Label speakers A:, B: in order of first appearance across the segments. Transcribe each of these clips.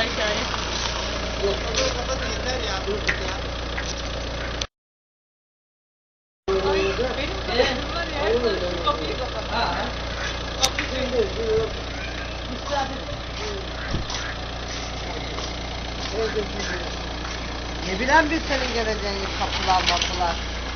A: hikaye.
B: Yok, kapatın yeter ya.
A: Ay benim kapatım var ya. Şu kapıyı kapat.
B: Ne bilen biz senin geleceğini kapılar mapılar.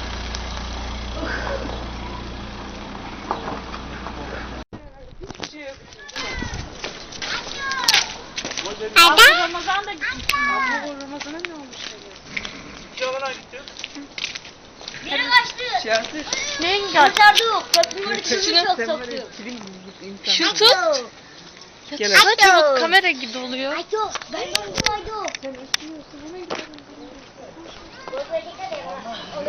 A: Abla Ramazan da gitmişsin. Abla Ramazan'a ne olmuş?
C: Camına gidiyor.
D: Yine kaçtı.
A: Neyin kaç?
D: Kaçardık. Köprünün içini çok soktu.
A: Şu tut. Ya saçma kamera gibi oluyor.
D: Aydo. Ben de aydo. Sen istiyorsun. Hemen gidelim. Böyle dikkat et. Olur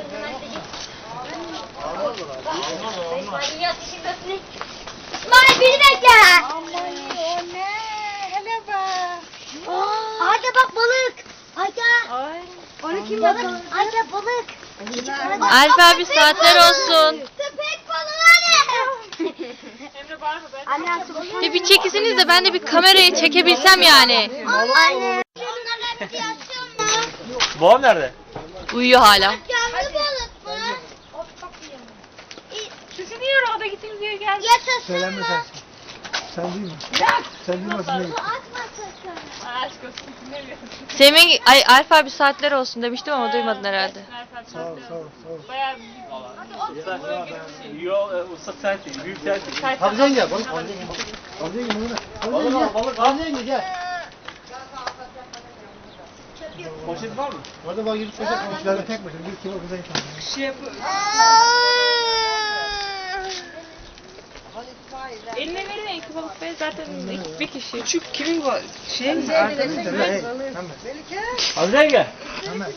D: mu? İsmail beni bekle.
A: O ne? Hele bak.
D: Ayda bak balık. Ayda.
A: Ay.
D: Onu kim balık? Ayda balık.
A: Alp abi saatler olsun.
D: Köpek balığı ne?
A: Emre bağırma ben.
D: Anne
A: Bir çekisiniz de ben de bir kamerayı çekebilsem yani.
D: Anne. Onların hepsi yaşıyor mu?
C: Babam nerede?
A: Uyuyor hala.
D: Canlı balık mı?
A: Sizin niye orada gittiniz diye geldi.
D: Yaşasın
E: Söylenme
D: mı?
E: sen. Sen değil mi? Sen duymasın değil mi?
D: Atma sakın.
A: Aşk olsun dinlemiyorsun. Semih, ay Alp abi saatler olsun demiştim ama duymadın herhalde.
E: Sağ ol, sağ ol, sağ ol.
A: Bayağı
C: Yok, ıslak saat değil, büyük saat değil.
E: Hadi sen gel, balık. Hadi gel,
C: Balık al, balık al.
E: Hadi gel.
C: Poşet var mı?
E: Orada bak yürüt koşak komşularla tek başına. Bir kilo kıza gitmem.
A: şey yapıyor. Eline verin iki balık be zaten bir kişi. Küçük kimin var? Şey mi?
E: Arkadaşlar, hey,
C: Hadi gel.
E: hemen.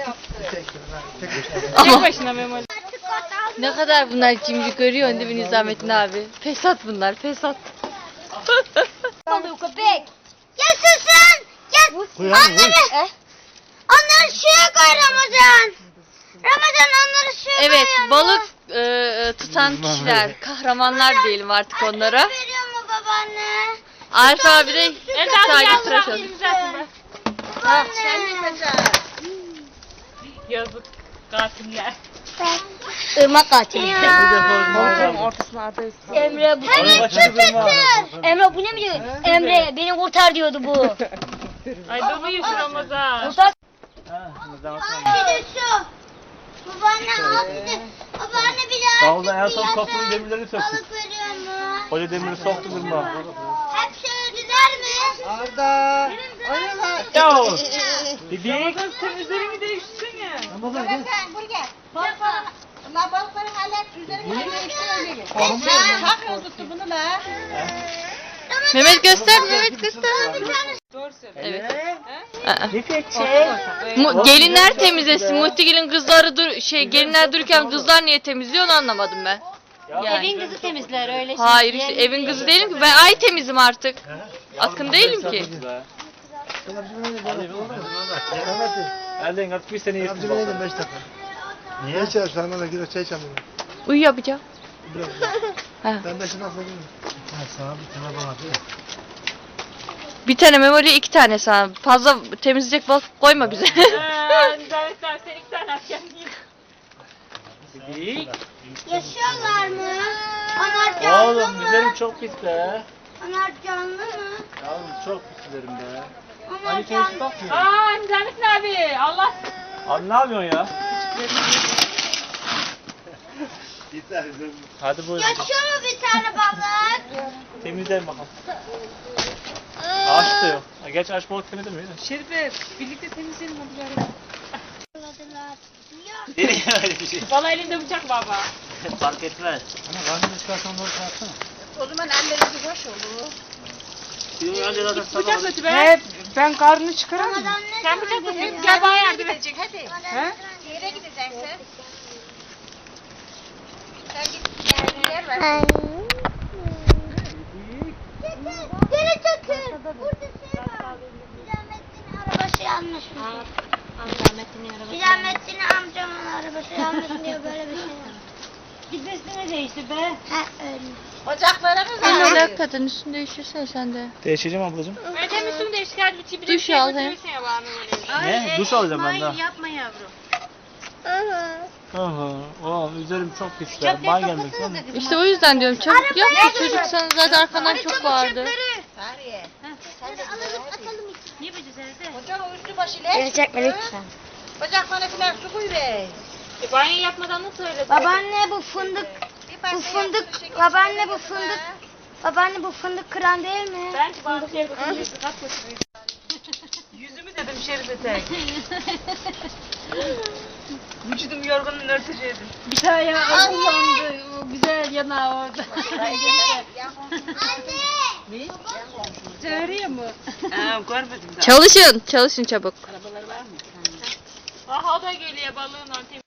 A: Tek başına Memoli. Ne kadar bunlar cimri görüyorsun değil mi Nizamettin abi? Fesat bunlar, fesat.
D: Balığı köpek. Yaşasın. Gel.
E: Buyur abi, buyur.
D: Onları suya koy Ramazan. Ramazan onları suya
A: Evet,
D: koyuyor mu?
A: balık tutan kişiler, kahramanlar diyelim artık onlara.
D: Anne veriyor mu babaanne?
A: Alp abi de sadece tıraş oldu.
D: Babaanne.
A: Yazık, katiller.
D: Irmak katili.
A: Ortasına adayız.
D: Emre bu
C: Hemen çıkıtır.
D: Emre bu ne biliyor? Emre beni kurtar diyordu bu.
A: Ay dolu yeşil Ramazan.
D: Kurtar.
C: Ramazan.
D: Bir de şu. Babaanne al bir de. Babaanne bir daha.
C: Davulda en son kapının demirlerini söktük.
D: Balık veriyor mu?
C: Hoca demiri soktu durma.
D: Hep söylediler mi?
B: Arda. Oynalar.
C: Yo. Dedik.
A: Temizlerimi değiştirsene.
E: Ramazan gel.
F: Sen buraya gel. Balıkları, la balıkları hallet, üzerine öyle gel.
E: Tamam.
F: Çakıyorsun tuttu bunu la.
A: Mehmet göster, Mehmet göster. Doğru söyle.
C: Evet.
A: Gelinler temizlesin. Muhtigil'in kızları gelinler dururken kızlar niye temizliyor onu anlamadım ben. Yani.
D: Evin kızı temizler öyle.
A: Hayır işte evin kızı değilim ki ben ay temizim artık. Akın değilim ki.
C: Elden atıp bir sene
E: Yardımcı
C: yırttım.
E: benim 5 dakika. Niye? Ne içer? Sana da gidiyor çay içelim.
A: Uyu yapacağım. Ha.
E: Ben de şimdi nasıl gideyim? Ha, sana bir tane bana değil.
A: Bir tane memoli 2 tane sana. Fazla temizleyecek balık koyma bize.
D: Nizametler sen 2 tane at kendin.
C: Dedik.
D: Yaşıyorlar mı? Onlar canlı
C: Oğlum
D: mı?
C: dizlerim çok pis be.
D: Onlar canlı mı?
C: Yavrum çok pis dizlerim be.
D: Onlar
C: Hani
D: canlı.
C: kendisi bakmıyor.
A: Aa Nizamettin abi Allah.
C: Abi ne yapıyorsun ya? Hadi buyur.
D: Yaşıyor mu bir tane balık?
C: Temizleyin bakalım. Ağaç da yok. Ha, geç ağaç balık temizledin mi?
A: Şerife birlikte temizleyelim hadi bari.
C: Nereye öyle bir şey?
A: Valla elinde bıçak baba.
C: Fark etmez.
E: Ana karnını çıkarsan doğru kalksana.
F: O zaman ellerinizi boş olur.
C: Şimdi önce zaten sabah
A: Bıçak götü be. Ben karnını çıkaramam.
D: Ramazan ne
A: Sen
D: zaman
A: bıçak götür.
D: geliyor?
A: Gel bana yardım et.
F: Gidecek hadi.
D: He?
F: Yere gideceksin. Sen git yerli yer var.
D: Geri çekil. Burada şey var. Nizamettin'in arabası yanlış mı? Nizamettin'in amcamın arabası yanlış diyor böyle bir şey var.
F: Gitmesine değişti be.
D: He öyle.
F: Ocaklarımız
A: Ben
F: var.
A: öyle hakikaten üstünü değiştirsene sen de.
C: Değişeceğim ablacığım.
A: Öyle üstünü değiştir. Bir duş al hem.
C: Ne? Duş alacağım ben daha.
F: Yapma yavrum.
C: Oğlum üzerim çok pis ya. Ban gelmek lan.
A: İşte o yüzden diyorum çabuk yap ki çocuk sana zaten arkandan çok vardı.
F: Sariye.
D: Alalım atalım içine.
F: Niye böyle evde? Ocağın o üstü başı ile.
D: Gelecek mi lütfen?
F: Ocaklarına filan su koy be.
A: Banyo yapmadan nasıl öyle?
D: Babaanne bu fındık. Bu fındık. Babaanne bu fındık. Babaanne bu fındık kıran değil mi?
A: Bence bana şey yapalım.
F: Yüzümü dedim şerife tek. Vücudum yorgunluğunu örteceğim.
A: Bir tane ya kullandı. O güzel yanağı orada.
D: Anne.
F: Çağırıyor mu? Ha, görmedim daha.
A: Çalışın. Çalışın çabuk.
F: Arabalar var mı?
A: Aha o da geliyor balığın anteni.